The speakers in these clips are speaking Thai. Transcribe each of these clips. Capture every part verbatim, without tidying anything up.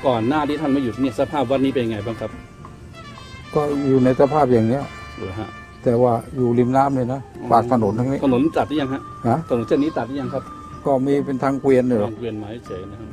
ก่อนหน้าที่ท่านมาอยู่ที่นี่สภาพวัดนี้เป็นยังไงบ้างครับก็อยู่ในสภาพอย่างเนี้ยเหรอฮะแต่ว่าอยู่ริมน้ำเลยนะปากถนนทั้งนี้ถนนตัดหรือยังฮะฮะถนนเส้นนี้ตัดหรือยังครับก็มีเป็นทางเกวียนเลยทางเกวียนไม้เฉยนะครับ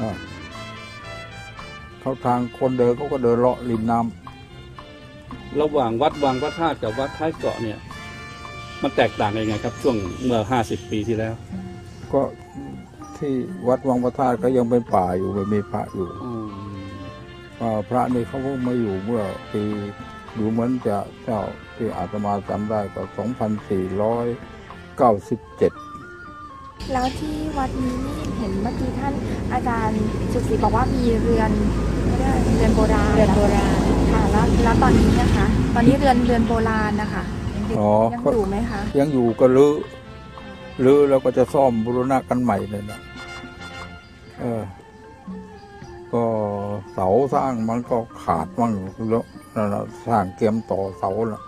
เขาทางคนเดินเขาก็เดินเลาะริมน้ำระหว่างวัดวังพระธาตุกับวัดท้ายเกาะเนี่ยมันแตกต่างยังไงครับช่วงเมื่อห้าสิบปีที่แล้วก็ที่วัดวังพระธาตุก็ยังเป็นป่าอยู่ไม่มีพระอยู่พระนี่เขาเพิ่งมาอยู่เมื่อปีดูเหมือนจะเจ้าที่อาตมาจำได้ก็สองพันสี่ร้อยเก้าสิบเจ็ดแล้วที่วัดนี้นี่เห็นเมื่อกี้ท่านอาจารย์สุศรีบอกว่ามีเรือนไม่ได้เรือนโบราณเรือนโบราณค่ะแล้วแล้วตอนนี้นะคะตอนนี้เรือนเรือนโบราณนะคะยังอยู่ไหมคะยังอยู่ก็รื้อรื้อแล้วก็จะซ่อมบูรณะกันใหม่เลยนะเออก็เสาสร้างมันก็ขาดมั่งแล้วนั่นแหละสร้างเตรียมต่อเสาละ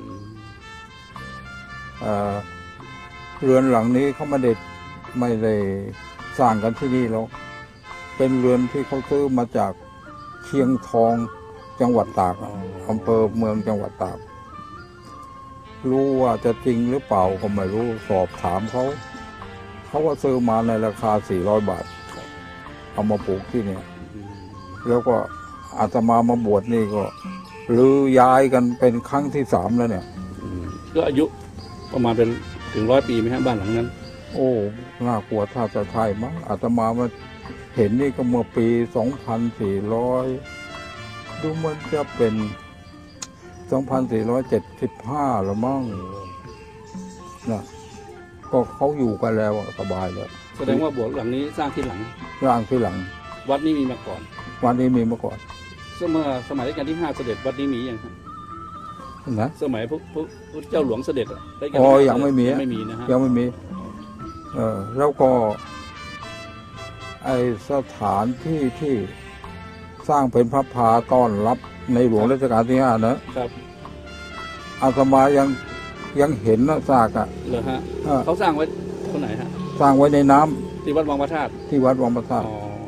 เออเรือนหลังนี้เขาไม่ได้ไม่ได้สร้างกันที่นี่หรอกเป็นเรือนที่เขาซื้อมาจากเชียงทองจังหวัดตากอำเภอเมืองจังหวัดตากรู้ว่าจะจริงหรือเปล่าก็ไม่รู้สอบถามเขาเขาว่าซื้อมาในราคาสี่ร้อยบาทเอามาปลูกที่นี่แล้วก็อาตมามาบวชนี่ก็รื้อย้ายกันเป็นครั้งที่สามแล้วเนี่ยก็อายุประมาณเป็นถึงร้อยปีไหมฮะบ้านหลังนั้นโอ้น่ากลัวถ้าจะไทยมั้งอาตมามาเห็นนี่ก็เมื่อปีสองพันสี่ร้อยดูมันจะเป็นสองพันสี่ร้อยเจ็ดสิบห้าละมั้งนะก็เขาอยู่กันแล้วสบายแล้วแสดงว่าโบสถ์หลังนี้สร้างที่หลังสร้างที่หลังวัดนี้มีมาก่อนวัดนี้มีมาก่อนเมื่อสมัยรัชกาลที่ห้าเสด็จวัดนี้มีอย่างครับนะสมัยพระพุทธเจ้าหลวงเสด็จรัชกาลที่ห้าอ๋อยังไม่มีไม่มีนะฮะยังไม่มีเออแล้วก็ไอสถานที่ที่สร้างเป็นพระพาต้อนรับในหลวงรัชกาลที่ห้านะครับอาตมายังยังเห็นนะซากอ่ะเหรอฮะเขาสร้างไว้ตรงไหนฮะสร้างไว้ในน้ำที่วัดวังพระธาตุที่วัดวังพระธาตุ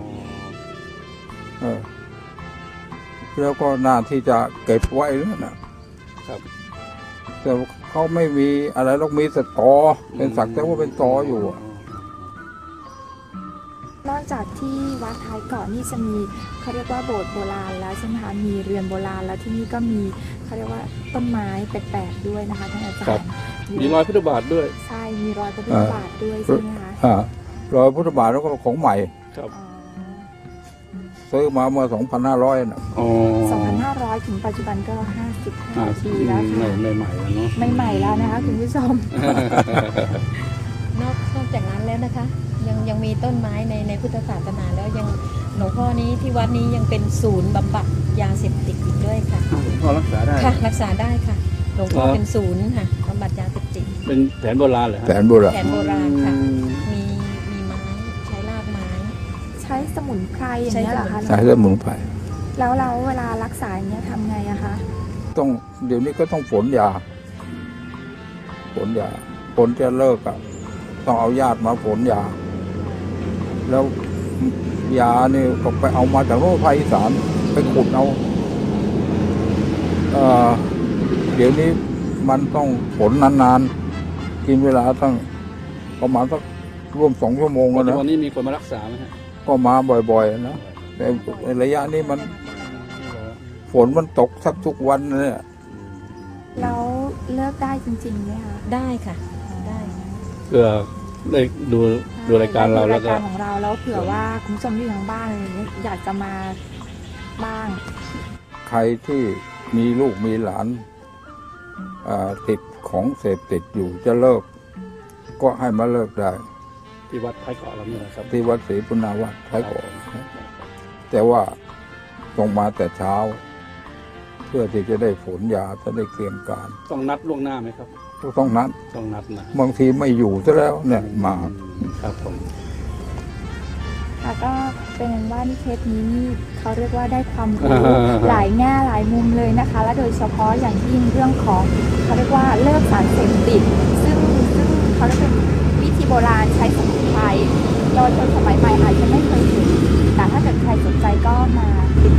เออแล้วก็น่าที่จะเก็บไว้แล้วนะครับแต่เขาไม่มีอะไรหรอกมีแต่ตอเป็นสักแต่ว่าเป็นตออยู่นอกจากที่วัดท้ายเกาะนี่จะมีเขาเรียกว่าโบสถ์โบราณแล้วใช่ไหมคะมีเรือนโบราณแล้วที่นี่ก็มีเขาเรียกว่าต้นไม้แปลกๆด้วยนะคะท่านอาจารย์มีรอยพุทธบาทด้วยใช่มีรอยพุทธบาทด้วยใช่ไหมคะรอยพุทธบาทแล้วก็ของใหม่ครับซื้อมาเมื่อสองพันห้าร้อยนะสองพันห้าร้อยถึงปัจจุบันก็ห้าสิบห้าปีแล้วค่ะไม่ใหม่แล้วเนาะไม่ใหม่แล้วนะคะคุณผู้ชมนอกนอกจากนั้นแล้วนะคะยังยังมีต้นไม้ในในพุทธศาสนาแล้วยังหลวงพ่อนี้ที่วัดนี้ยังเป็นศูนย์บำบัดยาเสพติดอีกด้วยค่ะหลวงพ่อรักษาได้ค่ะรักษาได้ค่ะหลวงพ่อเป็นศูนย์ค่ะบำบัดยาเสพติดเป็นแผนโบราณเหรอแผนโบราณแผนโบราณค่ะมีมีไม้ใช้รากไม้ใช้สมุนไพรอย่างนี้เหรอคะใช้สมุนไพรแล้วเราเวลารักษาอย่างนี้ทำไงอะคะต้องเดี๋ยวนี้ก็ต้องฝนยาฝนยาฝนจะเลิกอะต้องเอาญาติมาฝนยาแล้วยาเนี่ยก็ไปเอามาจากโรงพยาบาลอีสานไปขุดเอาเอ่อเดี๋ยวนี้มันต้องฝนนานๆกินเวลาตั้งประมาณสักร่วมสองชั่วโมงแล้วนะวันนี้มีคนมารักษาไหมฮะก็มาบ่อยๆนะแต่ในระยะนี้มันฝนมันตกทับทุกวันเนี่ยแล้วเลิกได้จริงๆไหมคะได้ค่ะได้เพื่อได้ดูดูรายการเราแล้วก็รายการของเราแล้วเผื่อว่าคุณผู้ชมที่ทางบ้านอะไรอย่างเงี้ยอยากจะมาบ้างใครที่มีลูกมีหลานติดของเสพติดอยู่จะเลิกก็ให้มาเลิกได้ที่วัดท้ายเกาะเรานี่นะครับที่วัดศรีปุณณวัดท้ายเกาะแต่ว่าต้องมาแต่เช้าเพื่อที่จะได้ฝนยาจะได้เตรียมการต้องนัดล่วงหน้าไหมครับต้องนัดต้องนัดนะบางทีไม่อยู่ซะแล้วเนี่ยมาครับผมแล้วก็เป็นว่านิเทศนี้เขาเรียกว่าได้ความรู้หลายแง่หลายมุมเลยนะคะและโดยเฉพาะอย่างยิ่งเรื่องของเขาเรียกว่าเลิกสารเสพติดซึ่งซึ่งเขาเรียกเป็นวิธีโบราณใช้สมุนไพรเยาวชนสมัยใหม่อาจจะไม่เคยเห็นแต่ถ้าเกิดใครสนใจก็มาติด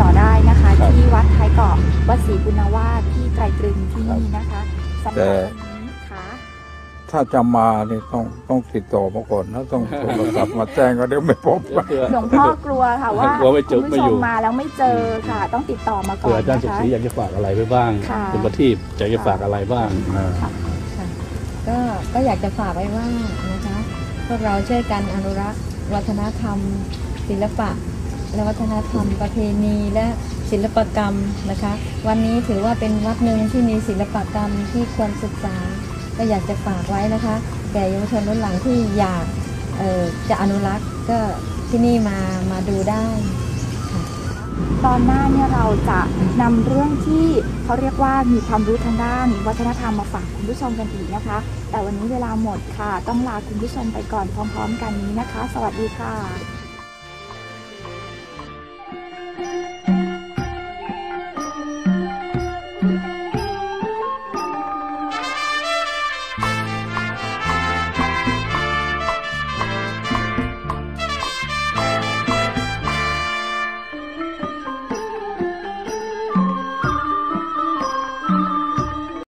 วัดศรีบุญวาสที่ไตรตรึงที่นี่นะคะสำหรับวันนี้ค่ะถ้าจะมาเนี่ยต้องต้องติดต่อมาก่อนนะต้องโทรศัพท์มาแจ้งก็เดี๋ยวไม่พบเผื่อหลวงพ่อกลัวค่ะว่ากลัวไม่เจอคุณไม่ผู้ชอยู่มมาแล้วไม่เจอค่ะ ต้องติดต่อมาก่อเผื่อน อาจารย์สุนะขคะศรีอยากจะฝากอะไรไว้บ้างค่ะคุณประทีปอยากจะฝากอะไรบ้างค่ะก็ก็อยากจะฝากไว้ว่านะคะพวกเราช่วยกันอนุรักษ์วัฒนธรรม ศิลปะ และวัฒนธรรมประเพณีและศิลปกรรมนะคะ วันนี้ถือว่าเป็นวัดหนึ่งที่มีศิลปกรรมที่ควรศึกษา ก็อยากจะฝากไว้นะคะ แก่เยาวชนรุ่นหลังที่อยากเอ่อจะอนุรักษ์ก็ที่นี่มามาดูได้ค่ะตอนหน้าเนี่ยเราจะนำเรื่องที่เขาเรียกว่ามีความรู้ทางด้านวัฒนธรรมมาฝากคุณผู้ชมกันอีกนะคะ แต่วันนี้เวลาหมดค่ะ ต้องลาคุณผู้ชมไปก่อนพร้อมๆกันนี้นะคะ สวัสดีค่ะ